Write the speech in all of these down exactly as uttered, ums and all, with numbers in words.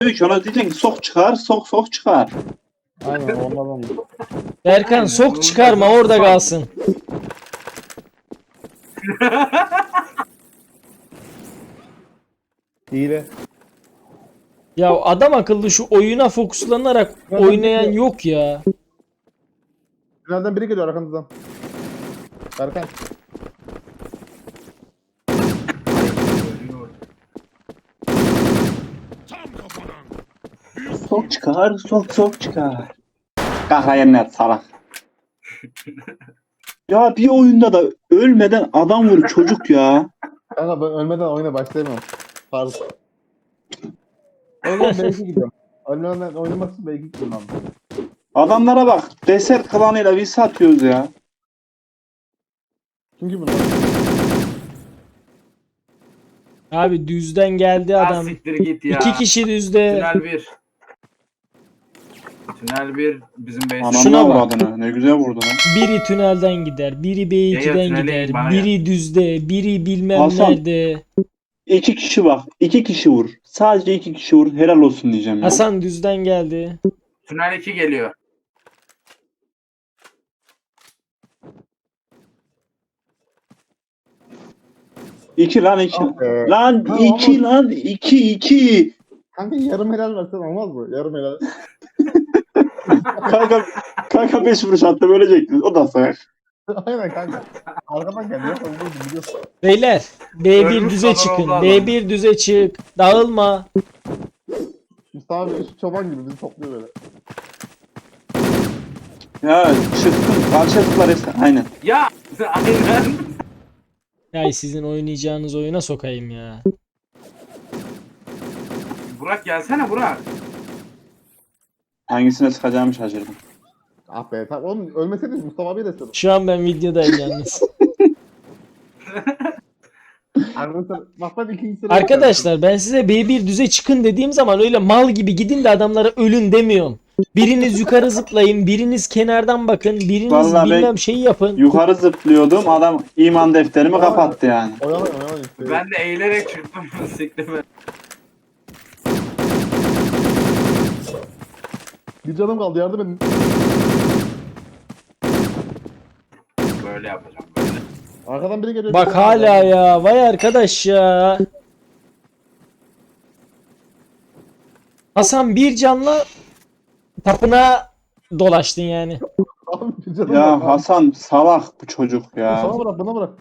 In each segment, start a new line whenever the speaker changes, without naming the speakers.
Diyor ki ona diyeceksin ki sok çıkar, sok sok çıkar.
Aynen onlardan.
Berkan sok çıkarma orada kalsın.
Hile.
Ya adam akıllı şu oyuna fokuslanarak oynayan yok ya.
Tünelden biri geliyor arkanızdan. Berkan.
Sok çıkar, sok sok çıkar. Kahrayenler salak. Ya bir oyunda da ölmeden adam vur çocuk ya.
Kanka ben ölmeden oyuna başlayamam. Pardon. O zaman B iki gidiyorum. Ölmeden oynamak için B iki gidiyorum abi.
Adamlara bak. Deser klanıyla biz satıyoruz ya.
Çünkü bunlar.
Abi düzden geldi
Ha,
adam.
siktir git ya.
İki kişi düzde.
Tünel bir. Tünel bir bizim base.
Anam
Şuna bak.
avradını. Ne güzel vurdu lan.
Biri tünelden gider, biri B
Ya, ya,
iki'den
tünele
gider,
git bana
biri düzde, biri bilmem
Hasan.
nerede.
İki kişi bak. iki kişi vur. Sadece iki kişi vur. Helal olsun diyeceğim ya.
Hasan düzden geldi.
Tünel iki geliyor.
İki lan iki.
Ee,
Lan
Ha,
iki
ama-
lan iki iki.
Kanka yarım helal versen olmaz mı? Yarım helal.
Kanka kanka beş vuruş attı ölecektin. O da sayar.
Aynen kanka. Arkadan geliyor. Onu biliyorsun.
Beyler B bir
Ölmüş
düze
kadar
çıkın.
oldu adam.
B bir düze çık. Dağılma.
Mustafa abi şu çoban gibi bizi topluyor böyle.
Ya çıktım. Karşıya tıklar hepsi. Aynen.
Ya aynen.
Ya sizin oynayacağınız oyuna sokayım ya.
Burak gelsene Burak.
Hangisine sıkacağımı şaşırdım.
Ah be tamam oğlum ölmeseydiniz Mustafa abi de istedim.
Şu an ben videodayım yalnız.
Arkadaşlar bak ben ikinci sıraya
Arkadaşlar ben size B bir düze çıkın dediğim zaman öyle mal gibi gidin de adamlara ölün demiyorum. Biriniz yukarı zıplayın, biriniz kenardan bakın, biriniz
Vallahi ben-
bilmem şey yapın.
Yukarı zıplıyordum. Adam iman defterimi kapattı yani.
Oyalayın oyalayın.
Ben de eğilerek çıktım. Siktime.
Bir canım kaldı yardım edin.
Böyle yapacağım böyle.
Arkadan biri geliyor.
Bak
bir
hala
canım kaldı.
ya, vay arkadaş ya. Hasan bir canla tapınağa dolaştın yani.
Abi bir canım
Ya
kaldı.
Hasan salak bu çocuk
Sana
ya.
bırak bana bırak.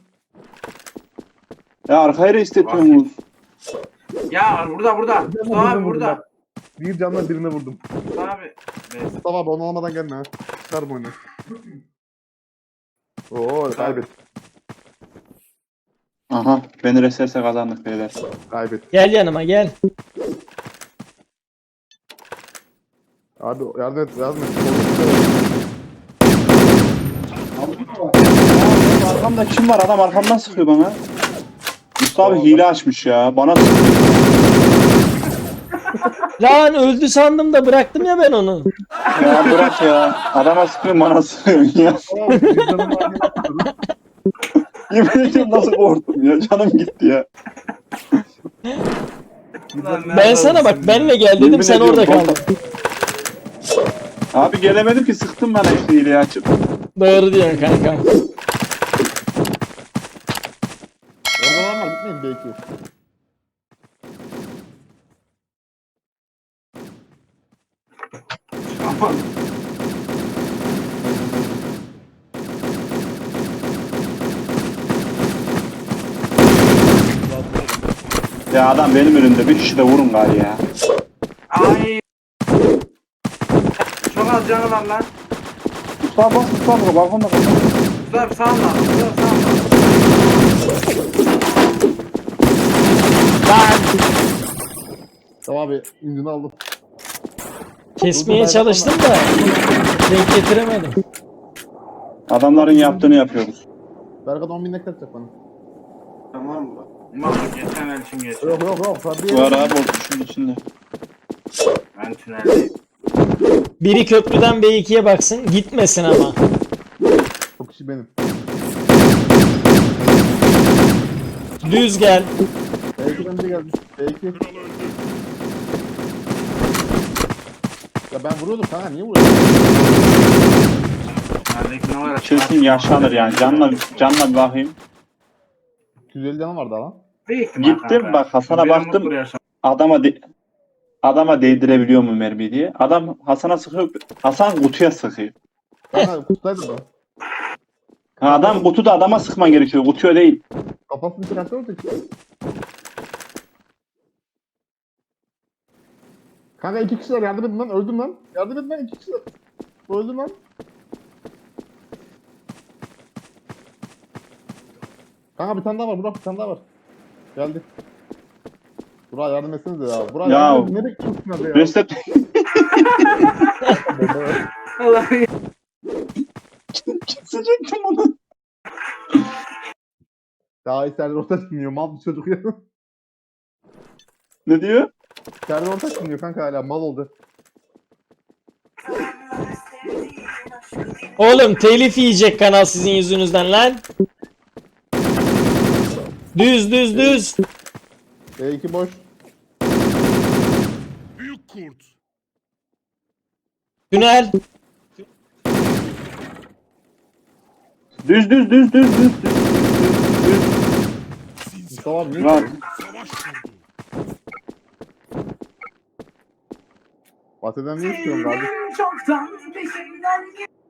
Ya arkaya da istetiyorsunuz.
Ya burada burada.
Bir canla
Mustafa
birine
abi
vurdum
burada.
bak. Bir canla birine vurdum.
Mustafa abi. Neyse.
Mustafa abi onu almadan gelme ha. Çıkar bu oyunu. Oo kaybet.
Aha beni reserse kazandık beyler.
Kaybet.
Gel yanıma gel.
Abi yardım et yardım et.
Arkamda kim var? Adam arkamdan sıkıyor bana. Mustafa abi hile açmış ya. Bana sıkıyor.
Lan öldü sandım da bıraktım ya ben onu.
Ya bırak ya. Adama sıkıyor bana sıkıyor ya.
Abi bir canım kaldı.
Yemin ediyorum nasıl korktum ya. Canım gitti ya.
Lan
Ben
nerede
sana bak
olsun
benle
ya?
gel dedim
Yemin
sen
ediyorum,
orada kaldın.
korktum. Abi gelemedim ki sıktım bana işte hileyi açıp.
Doğru diyorsun kankam.
Orada var gitmeyin belki.
Aman.
Ya adam benim önümde bir kişi de vurun gari ya.
Ay. Çok az canı var lan.
Mustafa bas Mustafa balkonda balkonda.
Mustafa abi sağ ol lan. Mustafa sağ ol lan.
Tamam abi incini aldım.
Kesmeye çalıştım da denk getiremedim.
Adamların yaptığını yapıyoruz.
Berkan on bin ne kaçacak bana?
Tamam mı? Ulan geçen el için geçti.
Yok yok yok. Tabii
Var abi o şunun içinde.
Ben tüneldeyim.
Biri köprüden B iki'ye baksın gitmesin ama.
O kişi benim.
Düz gel.
B iki'den biri geldi. B iki. Ya ben vuruyordum kanka, niye vuruyorsun?
Neredeki ne var?
Kesin yaşanır yani. Canla, canla bir bakayım.
iki yüz elli canım vardı lan.
Büyük ihtimal
Gittim
kanka.
bak Hasan'a
Benim
baktım.
mutlu yaşam.
Adama de, adama değdirebiliyor mu mermi diye. Adam Hasan'a sıkıyor. Hasan kutuya sıkıyor.
Kanka kutlaydı da.
Ha, adam kutuda adama sıkman gerekiyor. Kutuya değil.
Kafasını çıkartıyordu ki. Kanka iki kişiler yardım edin lan, öldüm lan. Yardım edin lan, iki kişiler. Öldüm lan. Kanka bir tane daha var, Burak bir tane daha var. Geldi. Burak yardım etsenize ya. Burak
Ya.
yardım edin, nereye gidiyorsun hadi ya?
Reset
Allah'ım.
kesecektim onu.
Daha iyi Serdar Ortaç dinliyor, mal bir çocuk ya.
Ne diyor?
Serdar Ortaç dinliyor kanka hala, mal oldu.
Oğlum telif yiyecek kanal sizin yüzünüzden lan. Düz düz düz.
E iki boş.
Büyük kurt.
Tünel.
Düz düz düz düz düz düz.
Mustafa abi niye?
Rahat.
Savaş kurdu.
Bahseden niye istiyorsun kardeşim?
Çoktan peşimden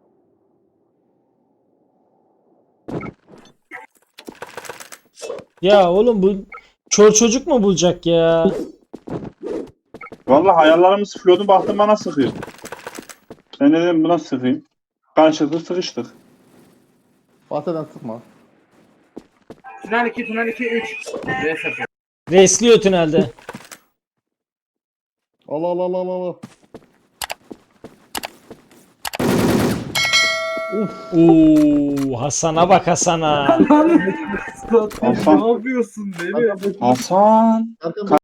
Ya oğlum bu çor çocuk mu bulacak ya?
Vallahi hayallerimi sıkıyordum. Baktım bana sıkıyor. Ben de dedim buna sıkayım. Karşılıklı sıkıştık.
Bahseden sıkma.
Tünel iki, tünel iki, üç. Reset.
Resliyor tünelde.
Allah Allah Allah Allah Allah.
Oo, Hasan'a bak Hasan'a.
Hasan.
Ne yapıyorsun deli?
Arkamda-
Hasan.
arkamda